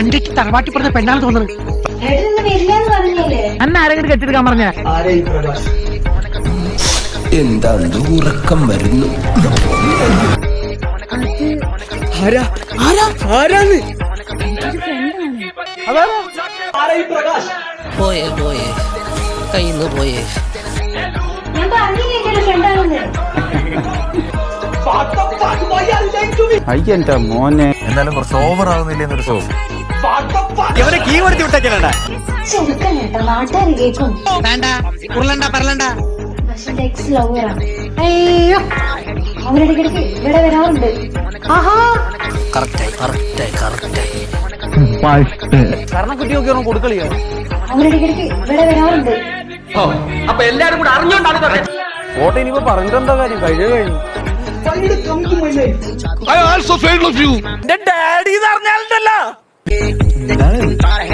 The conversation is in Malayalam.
കണ്ടിട്ട് തറവാട്ടി പറഞ്ഞ പെണ്ണാണ് തോന്നുന്നത്. അന്ന് ആരെങ്കിലും കെട്ടിയെടുക്കാൻ പറഞ്ഞ എന്താ ഉറക്കം വരുന്നു. പോയേ പോയേ കയ്യിന്ന് പോയേ. അയ്യന്റെ മോനെ എന്നാലും കുറച്ച് ഓവർ ആവുന്നില്ല എന്നൊരു സോസ്. വേണ്ട ഉരുളണ്ട പറലണ്ട. അവരിടയ്ക്കിടയ്ക്ക് ഇവിടെ വരാറുണ്ട്. കറക്റ്റായി കറക്റ്റായി കറക്റ്റായി. കരണക്കുട്ടിയൊക്കെ കൊടുക്കളിയോ. അവരിടയ്ക്കിടയ്ക്ക് ഇവിടെ വരാറുണ്ട്. അപ്പൊ എല്ലാരും കൂടെ അറിഞ്ഞോണ്ടാണ് ഓട്ടെ ഇനിയിപ്പോ പറഞ്ഞിട്ടെന്താ കാര്യം, കഴിഞ്ഞു. I also failed of you. Daddy പറഞ്ഞാലുണ്ടല്ലോ